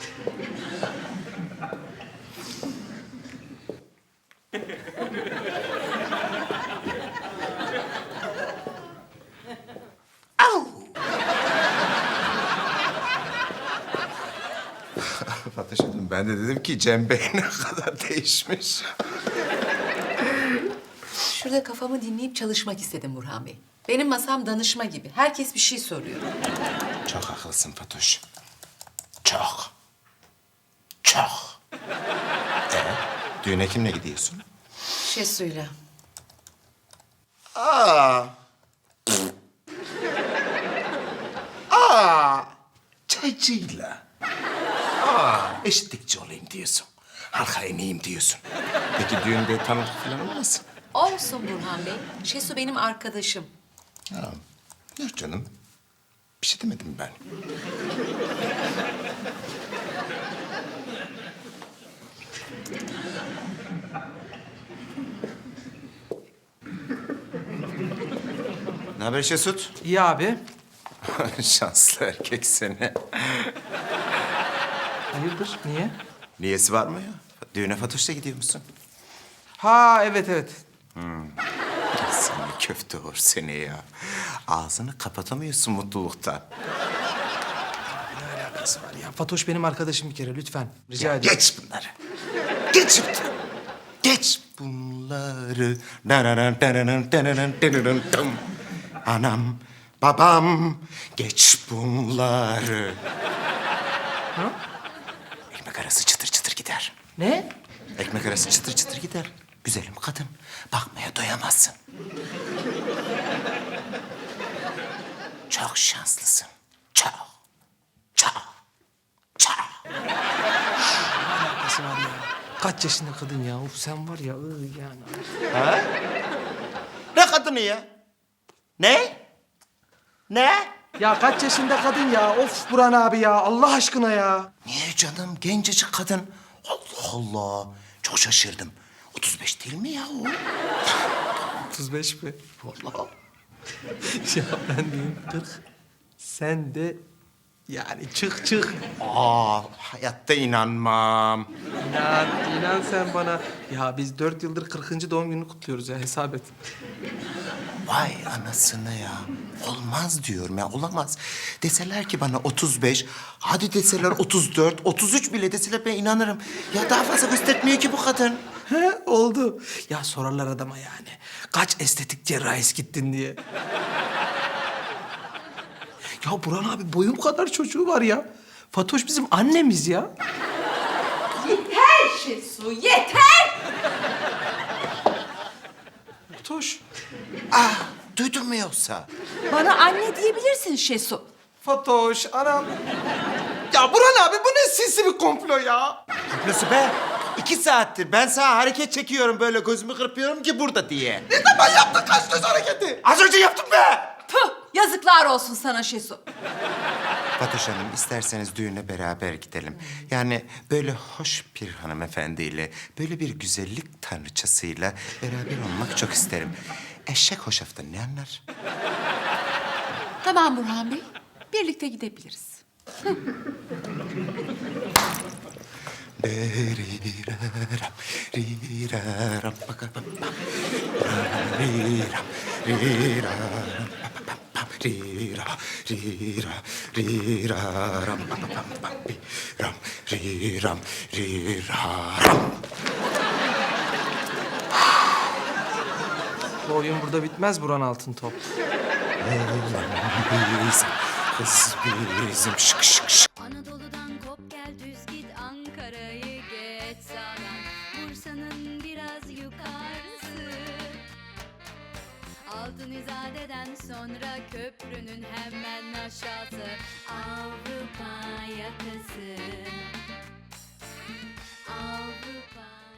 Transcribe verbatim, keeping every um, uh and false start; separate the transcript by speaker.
Speaker 1: Fatoş'um ben de dedim ki Cem Bey ne kadar değişmiş.
Speaker 2: Şurada kafamı dinleyip çalışmak istedim Burhan Bey. Benim masam danışma gibi. Herkes bir şey soruyor.
Speaker 1: Çok haklısın Fatoş. Çok. Çok. Ee, düğüne kimle gidiyorsun?
Speaker 2: Şesu'yla.
Speaker 1: Aa. Aa. Çaycıyla. Aa. Eşitlikçi olayım diyorsun. Halka ineyim diyorsun. Peki düğünde tanıdık falan olmasın?
Speaker 2: Olsun Burhan Bey. Şesu benim arkadaşım.
Speaker 1: Ha. Yok canım. Bir şey demedim ben. Ne haber Şesut?
Speaker 3: İyi abi.
Speaker 1: Şanslı erkek seni.
Speaker 3: Hayırdır? Niye?
Speaker 1: Niyesi var mı ya? Düğüne Fatoş'la gidiyor musun?
Speaker 3: Ha evet evet.
Speaker 1: Seni köfte olur seni ya. Ağzını kapatamıyorsun mutluluktan.
Speaker 3: Ne alakası var ya? Fatoş benim arkadaşım bir kere lütfen. Rica ederim.
Speaker 1: Geç bunları. Geç şimdi. Geç bunları. Dananan, dananan, dananan, dananan, dım. Anam, babam, geç bunları.
Speaker 3: Ha?
Speaker 1: Ekmek arası çıtır çıtır gider.
Speaker 3: Ne?
Speaker 1: Ekmek arası çıtır çıtır gider. Güzelim kadın. Bakmaya doyamazsın. Çok şanslısın. Çok. Çok. Çok.
Speaker 3: Nasıl var ya? Kaç yaşında kadın ya? Of sen var ya ıı, yani.
Speaker 1: Ha? Ne kadını ya? Ne? Ne?
Speaker 3: Ya kaç yaşında kadın ya? Of Burhan abi ya Allah aşkına ya.
Speaker 1: Niye canım? Gencecik kadın. Allah Allah. Çok şaşırdım. otuz beş değil mi ya o?
Speaker 3: otuz beş mi?
Speaker 1: Vallahi.
Speaker 3: Ya ben diyeyim kırk. Sen de yani çık çık.
Speaker 1: Aa, hayatta inanmam.
Speaker 3: İnan, inan sen bana. Ya biz dört yıldır kırkıncı doğum gününü kutluyoruz ya hesap et.
Speaker 1: Vay anasını ya. Olmaz diyorum ya, olamaz. Deseler ki bana otuz beş, hadi deseler otuz dört, otuz üç bile deseler ben inanırım. Ya daha fazla göstermiyor ki bu kadın.
Speaker 3: He oldu. Ya sorarlar adama yani. Kaç estetik cerrahisi gittin diye. Ya Burhan abi boyum kadar çocuğu var ya. Fatoş bizim annemiz ya.
Speaker 2: Yeter Şesu, yeter!
Speaker 3: Fatoş.
Speaker 1: Ah, duydun mu yoksa?
Speaker 2: Bana anne diyebilirsin Şesu.
Speaker 3: Fatoş anam. Ya Burhan abi bu ne sinsi bir komplo ya.
Speaker 1: Nasıl be? İki saattir ben sana hareket çekiyorum böyle gözümü kırpıyorum ki burada diye.
Speaker 3: Ne zaman yaptın kaç göz hareketi?
Speaker 1: Az önce yaptım be!
Speaker 2: Puh, yazıklar olsun sana Şesu.
Speaker 1: Fatoş Hanım, isterseniz düğüne beraber gidelim. Yani böyle hoş bir hanımefendiyle, böyle bir güzellik tanrıçasıyla beraber olmak çok isterim. Eşek hoşaftan ne anlar?
Speaker 2: Tamam Burhan Bey, birlikte gidebiliriz.
Speaker 1: Deriraram, riraram, bakabam, bam. Riram, riraram, bababam, bam. Rira, rira, riraram, bababam, bam. Riram, riram, riraram.
Speaker 3: Bu oyun burada bitmez Burhan Altıntop.
Speaker 1: Bizim, kız bizim, şık şık şık.
Speaker 4: Anadolu'dan kop gel düz git Ankara'yı geç sağdan Bursa'nın biraz yukarısı Altın İzade'den sonra köprünün hemen aşağısı Avrupa yakası Avrupa